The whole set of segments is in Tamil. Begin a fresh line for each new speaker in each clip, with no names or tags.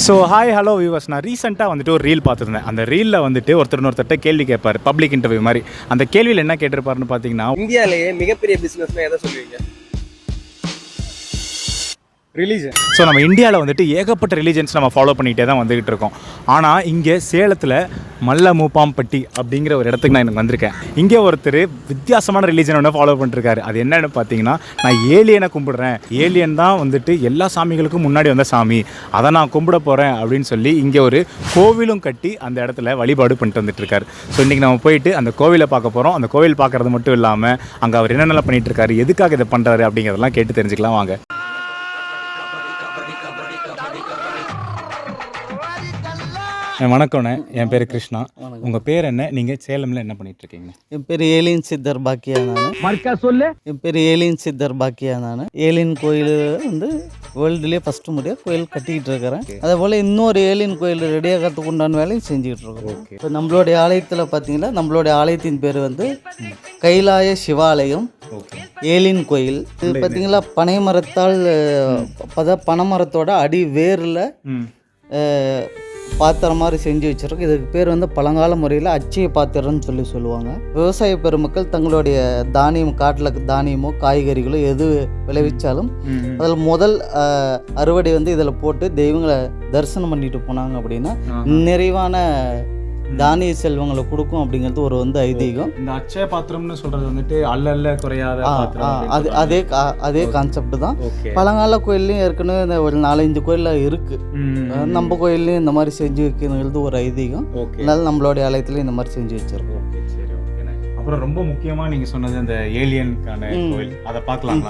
ஸோ ஹாய் ஹலோ வியூவர்ஸ், நான் ரீசெண்டாக வந்துட்டு ஒரு ரீல் பார்த்துருந்தேன். அந்த ரீலில் வந்துட்டு ஒருத்தர்கிட்ட கேள்வி கேட்பார், பப்ளிக் இன்டர்வியூ மாதிரி. அந்த கேள்வியில் என்ன கேட்டிருப்பாருன்னு பார்த்தீங்கன்னா,
இந்தியாவிலேயே மிகப்பெரிய பிஸ்னஸ்னா எதை சொல்லுவீங்க? ரிலீஜன்.
ஸோ நம்ம இந்தியாவில் வந்துட்டு ஏகப்பட்ட ரிலீஜன்ஸ் நம்ம ஃபாலோ பண்ணிகிட்டே தான் வந்துக்கிட்டு இருக்கோம். ஆனால் இங்கே சேலத்தில் மல்ல மூப்பாம்பட்டி அப்படிங்கிற ஒரு இடத்துக்கு நான் எனக்கு வந்திருக்கேன். இங்கே ஒருத்தர் வித்தியாசமான ரிலீஜன் ஒன்று ஃபாலோ பண்ணிருக்காரு. அது என்னென்னு பார்த்தீங்கன்னா, நான் ஏலியனை கும்பிடுறேன், ஏலியன் தான் வந்துட்டு எல்லா சாமிகளுக்கும் முன்னாடி வந்த சாமி, அதை நான் கும்பிட போகிறேன் அப்படின்னு சொல்லி இங்கே ஒரு கோவிலும் கட்டி அந்த இடத்துல வழிபாடு பண்ணிட்டு வந்துட்டுருக்காரு. ஸோ இன்றைக்கி நம்ம போயிட்டு அந்த கோவிலை பார்க்க போகிறோம். அந்த கோவில் பார்க்குறது மட்டும் இல்லாமல் அங்கே அவர் என்னென்னலாம் பண்ணிகிட்ருக்காரு, எதுக்காக இதை பண்ணுறாரு அப்படிங்கிறதெல்லாம் கேட்டு தெரிஞ்சுக்கலாம் வாங்க. வணக்கம்ண்ணே, என் பேர் கிருஷ்ணா. உங்கள் பேர் என்ன? நீங்கள் சேலமில் என்ன பண்ணிகிட்ருக்கீங்க?
என் பேர் ஏலியன் சித்தர் பாக்கியா நான். என் பேர் ஏலியன் சித்தர் பாக்கியா நான். ஏலியன் கோயில் வந்து வேர்ல்டுலேயே ஃபஸ்ட்டு முறையாக கோயில் கட்டிக்கிட்டு இருக்கிறேன். அதே போல் இன்னொரு ஏலியன் கோயில் ரெடியாகிறதுக்கு உண்டான வேலையும் செஞ்சுக்கிட்டு இருக்கோம். இப்போ நம்மளுடைய ஆலயத்தில் பார்த்தீங்கன்னா, நம்மளுடைய ஆலயத்தின் பேர் வந்து கைலாய சிவாலயம் ஏலியன் கோயில். இது பார்த்தீங்களா, பனை மரத்தால் பனைமரத்தோட அடி வேரில் பாத்திரம் மாதிரி செஞ்சு வச்சுருக்கோம். இதுக்கு பேர் வந்து பழங்கால முறையில் அச்சய பாத்திரம்னு சொல்லுவாங்க. விவசாய பெருமக்கள் தங்களுடைய தானியம், காட்டில் தானியமோ காய்கறிகளோ எது விளைவிச்சாலும் அதில் முதல் அறுவடை வந்து இதில் போட்டு தெய்வங்களை தரிசனம் பண்ணிட்டு போனாங்க அப்படின்னா நிறைவான தானிய செல்வங்களை கொடுக்கும் அப்படிங்கிறது ஒரு வந்து ஐதீகம்.
இந்த அச்சய பாத்திரம்னு சொல்றது வந்துட்டு அல்ல குறையாத பாத்திரம்,
அதே கான்செப்ட் தான். பழங்கால கோயில்லையும் ஏற்கனவே இந்த ஒரு 4-5 கோயிலில் இருக்கு. நம்ம கோயில்லையும் இந்த மாதிரி செஞ்சு வைக்கிறது ஒரு ஐதீகம். அதனால நம்மளுடைய ஆலயத்துலையும் இந்த மாதிரி செஞ்சு வச்சிருக்கோம்.
அப்புறம் ரொம்ப முக்கியமாக நீங்கள் சொன்னது அந்த ஏலியனுக்கான கோயில், அதை பார்க்கலாம்.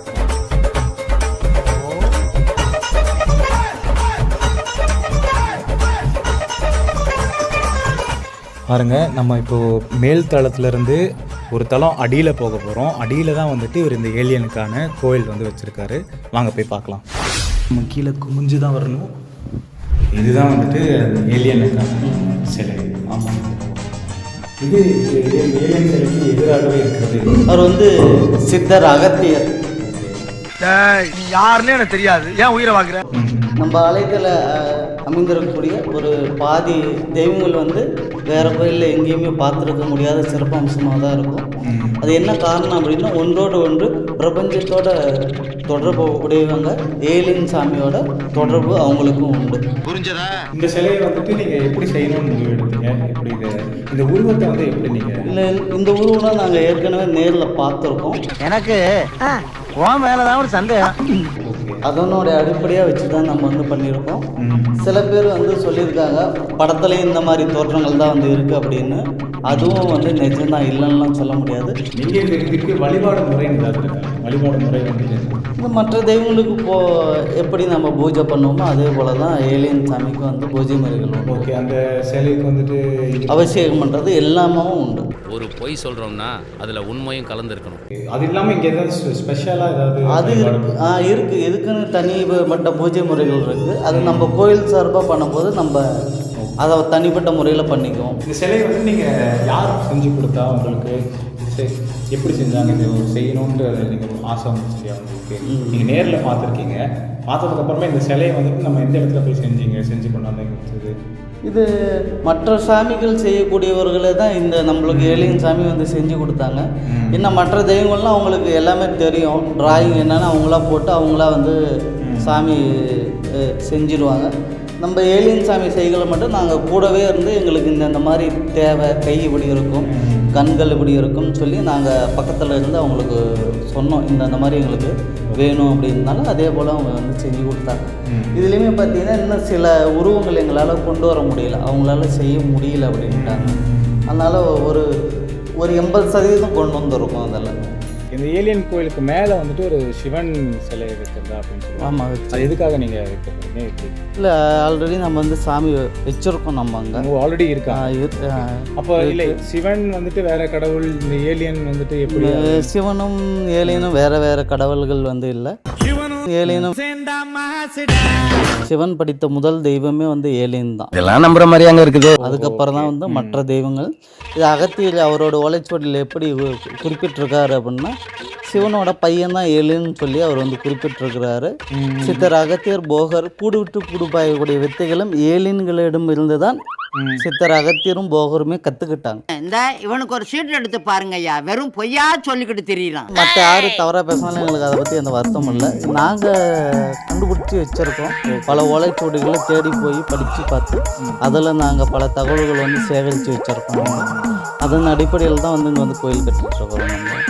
பாருங்க, நம்ம இப்போது மேல் தளத்துலேருந்து ஒரு தளம் அடியில் போக போகிறோம். அடியில் தான் வந்துட்டு இவர் இந்த ஏலியனுக்கான கோயில் வந்து வச்சுருக்காரு. வாங்க போய் பார்க்கலாம். நம்ம கீழே குமிஞ்சு தான் வரணும். இதுதான் வந்துட்டு ஏலியனுக்கான சிலை. ஆமாம், இது ஏலியன் சிலைக்கு எதிராகவே இருக்கிறது.
அவர் வந்து சித்தர் அகத்தியர்.
யாருன்னு எனக்கு தெரியாது, ஏன் உயிரை வாங்குற?
நம்ம ஆலயத்தில் அமைந்திருக்கக்கூடிய ஒரு பாதி தெய்வங்கள் வந்து வேறு கோயிலில் எங்கேயுமே பார்த்துருக்க முடியாத சிறப்பம்சமாக தான் இருக்கும். அது என்ன காரணம் அப்படின்னா, ஒன்றோடு ஒன்று பிரபஞ்சத்தோட தொடர்பு உடையவங்க ஏலியன் சாமியோட தொடர்பு அவங்களுக்கும் உண்டு.
புரிஞ்சதா?
இந்த சிலையை வந்துட்டு நீங்கள் எப்படி செய்யணும்னு முடிவு எடுத்தீங்க? எப்படி இந்த உருவத்தை வந்து எப்படி நீங்கள்?
இல்லை, இந்த உருவம்னா நாங்கள் ஏற்கனவே நேரில் பார்த்துருக்கோம்.
எனக்கு உன் மேலதான் ஒரு சந்தேகம்.
அதனோடைய அடிப்படையாக வச்சு தான் நம்ம வந்து பண்ணியிருக்கோம். சில பேர் வந்து சொல்லியிருக்காங்க, படத்துலேயும் இந்த மாதிரி தோற்றங்கள் தான் வந்து இருக்குது அப்படின்னு. அதுவும் வந்து நிஜம்தான், இல்லைன்னுலாம் சொல்ல முடியாது.
நீங்கள் இதுக்கு வழிபாடு முறைன்னு ஏதாவது இருக்காங்க? வழிபாடு முறை வந்து
இந்த மற்ற தெய்வங்களுக்கு எப்படி நம்ம பூஜை பண்ணுவோமோ அதே போல் தான் ஏலியன் சாமிக்கு வந்து பூஜை முறைகள் உண்டு.
ஓகே, அந்த சிலைக்கு வந்துட்டு
அபிஷேகம் பண்ணுறது எல்லாமே உண்டு.
ஒரு பொய் சொல்கிறோம்னா அதில் உண்மையும் கலந்துருக்கணும்.
அது இல்லாமல் இங்கே ஏதாவது ஸ்பெஷலாக ஏதாவது
அது இருக்குது. இதுக்குன்னு தனிப்பட்ட பூஜை முறைகள் இருக்குது. அது நம்ம கோயில் சார்பாக பண்ணும்போது நம்ம அதை தனிப்பட்ட முறையில் பண்ணிக்குவோம்.
இந்த சிலையை வந்து நீங்கள் யார் செஞ்சு கொடுத்தா உங்களுக்கு எப்படி செஞ்சாங்க? இது செய்யணுன்ற நீங்கள் ஆசை வந்துச்சு இல்லையா உங்களுக்கு? நீங்கள் நேரில் பார்த்துருக்கீங்க. பார்த்ததுக்கப்புறமா இந்த சிலையை வந்துட்டு நம்ம எந்த இடத்துல போய் செஞ்சு கொண்டாந்து கொடுத்தது?
இது மற்ற சாமிகள் செய்யக்கூடியவர்களே தான் இந்த நம்மளுக்கு ஏலியன் சாமி வந்து செஞ்சு கொடுத்தாங்க. இன்னும் மற்ற தெய்வங்கள்லாம் அவங்களுக்கு எல்லாமே தெரியும். டிராயிங் என்னென்னு அவங்களா போட்டு அவங்களா வந்து சாமி செஞ்சிடுவாங்க. நம்ம ஏலியன் சாமி செய்களை மட்டும் நாங்கள் கூடவே இருந்து எங்களுக்கு இந்த மாதிரி தேவை, கை இப்படி இருக்கும், கண்கள் இப்படி இருக்கும்னு சொல்லி நாங்கள் பக்கத்தில் இருந்து அவங்களுக்கு சொன்னோம். இந்த மாதிரி எங்களுக்கு வேணும் அப்படின்னாலும் அதே போல் அவங்க வந்து செஞ்சு கொடுத்தாங்க. இதுலேயுமே பார்த்தீங்கன்னா இன்னும் சில உருவங்கள் எங்களால் கொண்டு வர முடியல, அவங்களால செய்ய முடியல அப்படின்ட்டாங்க. அதனால் ஒரு 80% கொண்டு வந்துருக்கோம். அதெல்லாம்
இந்த ஏலியன் கோயிலுக்கு மேலே வந்துட்டு ஒரு சிவன் சிலை வைக்கிறதா அப்படின்னு சொல்லி.
ஆமாம்,
அது எதுக்காக நீங்கள் வைக்கிறீங்க?
இல்லை, ஆல்ரெடி நம்ம வந்து சாமி வச்சுருக்கோம். நம்ம அங்கே
ஆல்ரெடி இருக்கா? அப்போ இல்லை, சிவன் வந்துட்டு வேற கடவுள், இந்த ஏலியன் வந்துட்டு எப்படி?
சிவனும் ஏலியனும் வேறு கடவுள்கள் வந்து இல்லை. ஏலியனும் சிவன் படித்த முதல் தெய்வமே வந்து ஏலியன் தான்.
இதெல்லாம் நம்புற மாதிரி அங்கே இருக்குது.
அதுக்கப்புறம் தான் வந்து மற்ற தெய்வங்கள். இது அகத்தியர் அவரோட ஓலைச்சுவடியில் எப்படி குறிப்பிட்டிருக்காரு அப்படின்னா, சிவனோட பையன் தான் ஏலின்னு சொல்லி அவர் வந்து குறிப்பிட்டிருக்கிறாரு. சித்தர் அகத்தியர் போகர் கூடுவிட்டு கூடுபாயக்கூடிய வித்தைகளும் ஏலின்களிடம் இருந்து தான் சித்தர் அகத்தியரும் போகருமே கற்றுக்கிட்டாங்க.
இந்த இவனுக்கு ஒரு சீட் எடுத்து பாருங்க ஐயா, வெறும் பொய்யா சொல்லிக்கிட்டு தெரியலாம்.
மற்ற யார் தவறாக பேசினாலும் எங்களுக்கு அதை பற்றி எந்த வருத்தம் இல்லை. நாங்கள் கண்டுபிடிச்சி வச்சுருக்கோம். பல ஓலைச்சுவடிகளை தேடி போய் படித்து பார்த்து அதில் நாங்கள் பல தகவல்கள் வந்து சேகரித்து வச்சுருக்கோம். அதன் அடிப்படையில் தான் வந்து இங்கே வந்து கோயில் கட்டிகிட்ருக்கோம்.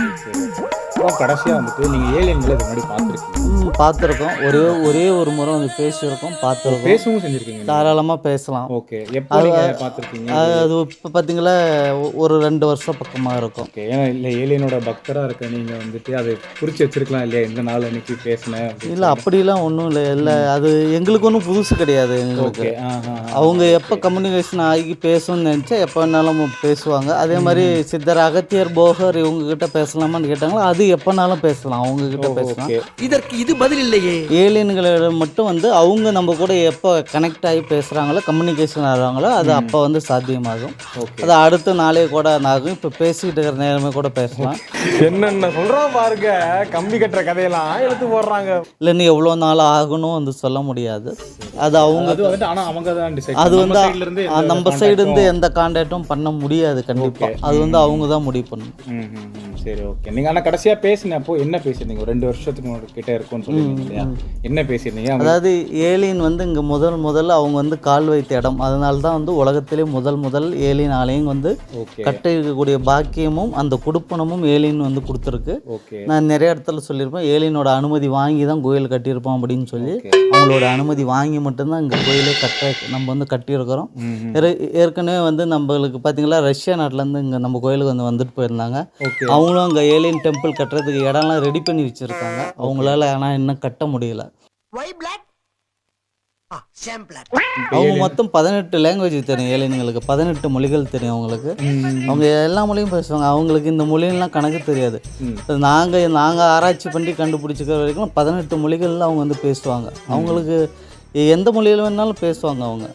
அப்புறம் கடைசியாக வந்துட்டு நீங்கள் ஏலியன்களை இது முன்னாடி பார்த்துருக்கீங்க?
பார்த்துருக்கோம். ஒரே ஒரு முறை வந்து பேசியிருக்கோம், பார்த்துருக்கோம்.
பேசவும் செஞ்சுருக்கீங்க? தாராளமாக
பேசலாம்.
ஓகே. எப்போ நீங்கள் பார்த்துருக்கீங்க?
அது இப்போ பார்த்தீங்களா ஒரு 2 வருஷம் பக்கமாக இருக்கும்.
ஓகே. ஏன்னா இல்லை ஏலியனோட பக்தராக இருக்க நீங்கள் வந்துட்டு அதை குறித்து வச்சிருக்கலாம் இல்லையா, இந்த நாள் அன்னைக்கு பேசினேன்?
இல்லை, அப்படிலாம் ஒன்றும் இல்லை. அது எங்களுக்கு ஒன்றும் புதுசு கிடையாது. எங்களுக்கு அவங்க எப்போ கம்யூனிகேஷன் ஆகி பேசணும்னு நினச்சா எப்போ வேணாலும் பேசுவாங்க. அதே மாதிரி சித்தர் அகத்தியர் போகர் இவங்ககிட்ட பேசலாமான்னு கேட்டாங்களோ அது எப்போனாலும் பேசலாம், அவங்கக்கிட்ட பேசலாம்.
இதற்கு இது பதில் இல்லையே.
ஏலியன்களிடம் மட்டும் வந்து அவங்க நம்ம கூட எப்போ கனெக்ட் ஆகி பேசுகிறாங்களோ, கம்யூனிகேஷன் ஆகிறாங்களோ அது அப்போ வந்து சாத்தியமாகும். அது அடுத்த நாளே கூட ஆகும். இப்போ பேசிக்கிட்டு இருக்கிற நேரமே கூட பேசலாம்.
என்னென்ன சொல்கிறோம் பாருங்க, கம்பி கட்டுற கதையெல்லாம் எடுத்து போடுறாங்க.
இல்லைன்னு எவ்வளோ நாள் ஆகணும் வந்து சொல்ல முடியாது. அது அவங்க
ஆனால் அவங்க தான் டிசைட்.
அது வந்து நம்ம சைடு இருந்து எந்த கான்டாக்டும் பண்ண முடியாது கண்டிப்பாக. அது வந்து அவங்க தான் முடிவு பண்ணணும்.
சரி, ஓகே. நீங்கள் ஆனால் கடைசியாக பேசினப்போ என்ன பேசியிருந்தீங்க? 2 வருஷத்துக்கு கிட்டே இருக்கும்னு சொல்லியிருந்தீங்க இல்லையா, என்ன பேசியிருந்தீங்க?
அதாவது ஏலியன் வந்து இங்கே முதல்ல அவங்க வந்து கால் வைத்த இடம். அதனால தான் வந்து உலகத்திலே முதல் ஏலியன் ஆலயம் வந்து கட்டிருக்கக்கூடிய பாக்கியமும் அந்த குடுப்பனமும் ஏலியன் வந்து கொடுத்துருக்கு. நான் நிறைய இடத்துல சொல்லியிருப்பேன், ஏலியனோட அனுமதி வாங்கி தான் கோயில் கட்டியிருப்போம் அப்படின்னு சொல்லி. அவங்களோட அனுமதி வாங்கி மட்டும்தான் இங்கே கோயிலே நம்ம வந்து கட்டியிருக்கிறோம். ஏற்கனவே வந்து நம்மளுக்கு பார்த்தீங்களா ரஷ்யா நாட்டிலேருந்து இங்கே நம்ம கோயிலுக்கு வந்து வந்துட்டு போயிருந்தாங்க. அவங்களும் அங்கே ஏலியன் டெம்பிள் கட்டுறதுக்கு இடம்லாம் ரெடி பண்ணி வச்சுருக்காங்க. அவங்களால ஆனால் இன்னும் கட்ட முடியல. அவங்க மொத்தம் 18 லாங்குவேஜ் தெரியும் ஏலியன்களுக்கு, 18 மொழிகள் தெரியும் அவங்களுக்கு. அவங்க எல்லா மொழியும் பேசுவாங்க. அவங்களுக்கு இந்த மொழியெல்லாம் கணக்கு தெரியாது. நாங்கள் ஆராய்ச்சி பண்ணி கண்டுபிடிச்சிக்கிற வரைக்கும் 18 மொழிகளில் அவங்க வந்து பேசுவாங்க. அவங்களுக்கு எந்த மொழியில் வேணாலும் பேசுவாங்க அவங்க.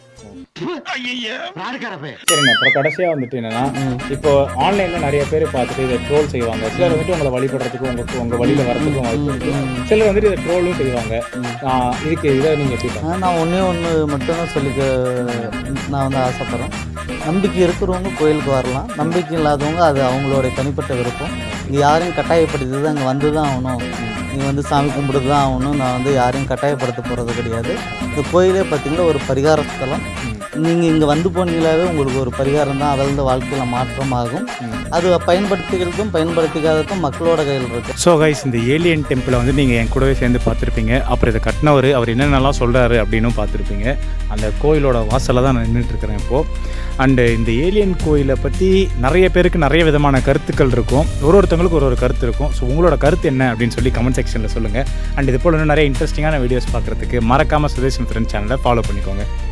சரிண்ணா, அப்புறம் கடைசியாக வந்துட்டு என்னன்னா, இப்போ ஆன்லைனில் நிறைய பேர் பார்த்துட்டு இதை ட்ரோல் செய்வாங்க. சிலர் வந்துட்டு உங்களை வழிபடுறதுக்கு உங்கள் வழியில் வரதுக்கும் வாய்ப்பு இருக்குது. சிலர் வந்துட்டு இதை ட்ரோலும் செய்வாங்க. இதுக்கு இதை நீங்கள் எப்படி?
நான் ஒன்று மட்டும்தான் நான் வந்து ஆசைப்பட்றேன். நம்பிக்கை இருக்கிறவங்க கோயிலுக்கு வரலாம், நம்பிக்கை இல்லாதவங்க அது அவங்களோட தனிப்பட்ட விருப்பம். இங்கே யாரையும் கட்டாயப்படுத்தி தான் இங்கே வந்து தான் ஆகணும், நீ வந்து சாமி கும்பிட்டு தான் ஆகணும். நான் வந்து யாரையும் கட்டாயப்படுத்த போகிறது கிடையாது. இந்த கோயிலே பார்த்திங்கன்னா ஒரு பரிகார ஸ்தலம். நீங்கள் இங்கே வந்து போனீங்களாவே உங்களுக்கு ஒரு பரிகாரம் தான், அதில் வாழ்க்கையில் மாற்றம் ஆகும். அது பயன்படுத்திக்கிறதுக்கும் பயன்படுத்திக்காததுக்கும் மக்களோட கையில் இருக்குது.
ஸோ கைஸ், இந்த ஏலியன் டெம்பிளை வந்து நீங்கள் என் கூடவே சேர்ந்து பார்த்துருப்பீங்க. அப்புறம் இதை கட்டினவர் அவர் என்னென்னலாம் சொல்கிறாரு அப்படின்னும் பார்த்துருப்பீங்க. அந்த கோயிலோட வாசலில் தான் நான் நின்றுட்டுருக்கிறேன் இப்போது. அண்டு இந்த ஏலியன் கோயிலை பற்றி நிறைய பேருக்கு நிறைய விதமான கருத்துக்கள் இருக்கும். ஒருத்தவங்களுக்கு ஒரு கருத்து இருக்கும். ஸோ உங்களோட கருத்து என்ன அப்படின்னு சொல்லி கமெண்ட் செக்ஷனில் சொல்லுங்கள். அண்ட் இது போல் இன்னும் நிறைய இன்ட்ரெஸ்டிங்கான வீடியோஸ் பார்க்குறதுக்கு மறக்காமல் சுதேஷ் ஃப்ரெண்ட்ஸ் சேனலை ஃபாலோ பண்ணிக்கோங்க.